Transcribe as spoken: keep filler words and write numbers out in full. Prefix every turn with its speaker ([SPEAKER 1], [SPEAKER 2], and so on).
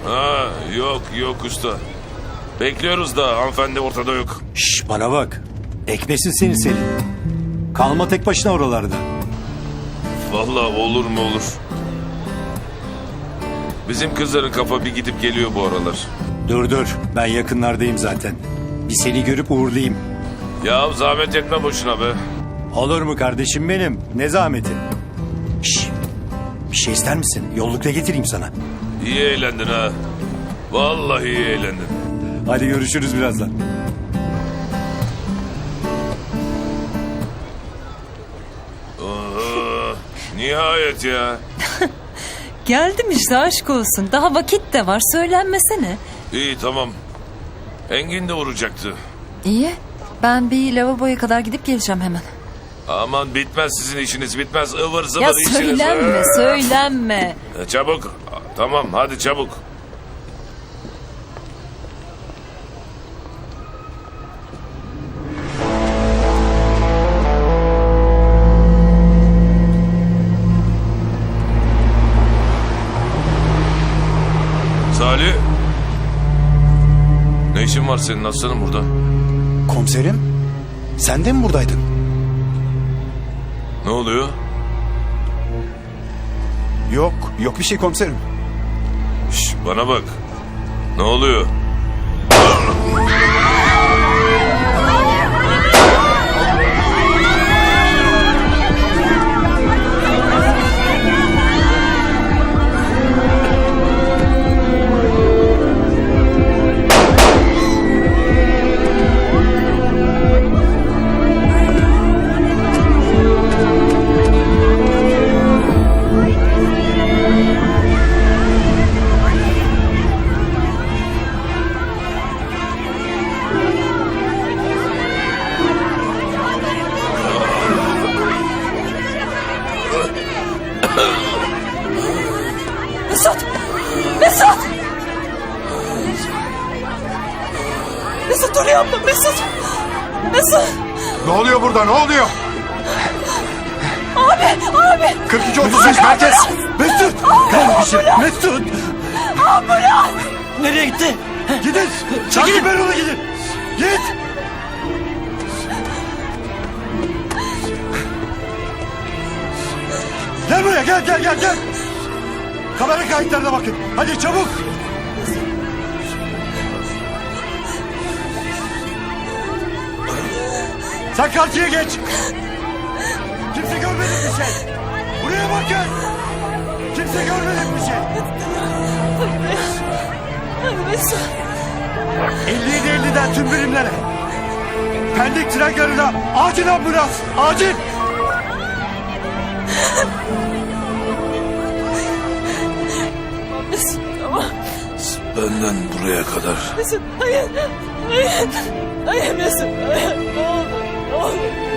[SPEAKER 1] Ha, yok yok usta. Bekliyoruz da hanımefendi ortada yok.
[SPEAKER 2] Şş, bana bak. Ekmesin seni Selin. Kalma tek başına oralarda.
[SPEAKER 1] Vallahi olur mu olur. Bizim kızların kafa bir gidip geliyor bu aralar.
[SPEAKER 2] Dur dur, ben yakınlardayım zaten. Bir seni görüp uğurlayayım.
[SPEAKER 1] Ya zahmet etme boşuna be.
[SPEAKER 2] Olur mu kardeşim benim? Ne zahmeti? Şş, bir şey ister misin? Yollukta getireyim sana.
[SPEAKER 1] İyi eğlendin ha. Vallahi iyi eğlendin.
[SPEAKER 2] Hadi görüşürüz birazdan.
[SPEAKER 1] Aa, nihayet ya.
[SPEAKER 3] Geldim işte, aşk olsun. Daha vakit de var, söylenmesene.
[SPEAKER 1] İyi tamam. Engin de vuracaktı.
[SPEAKER 3] İyi. Ben bir lavaboya kadar gidip geleceğim hemen.
[SPEAKER 1] Aman bitmez sizin işiniz bitmez. Ivır zıvır
[SPEAKER 3] Ya
[SPEAKER 1] işiniz.
[SPEAKER 3] söylenme,
[SPEAKER 1] Ee,
[SPEAKER 3] söylenme.
[SPEAKER 1] Çabuk. Tamam hadi çabuk. Salih. Ne işin var senin aslanım burada?
[SPEAKER 4] Komiserim, sen de mi buradaydın?
[SPEAKER 1] Ne oluyor?
[SPEAKER 4] Yok, yok bir şey komiserim.
[SPEAKER 1] Şş, bana bak. Ne oluyor?
[SPEAKER 3] Mesut! Mesut! Mesut dur yapma, Mesut! Mesut!
[SPEAKER 4] Ne oluyor burada, ne oluyor?
[SPEAKER 3] Abi, abi!
[SPEAKER 4] kırk iki otuz beş merkez! Mesut! Kardeşim, Mesut!
[SPEAKER 3] Ambulans!
[SPEAKER 2] Nereye gitti?
[SPEAKER 4] Gidin! Takip ver onu gidin! Git! Gel buraya, gel gel gel gel! Kamera kayıtlarına bakın. Hadi çabuk! Sen karşıya geç! Kimse görmedi bir şey! Buraya bakın! Kimse görmedi bir şey!
[SPEAKER 3] Mesut!
[SPEAKER 4] elli yedi elliden tüm birimlere! Pendik tren garına acil ambulans! Acil!
[SPEAKER 3] Mesut tamam.
[SPEAKER 1] Benden buraya kadar.
[SPEAKER 3] Mesut hayır. Hayır. Hayır Mesut. Hayır. Ne olur. Ne olur.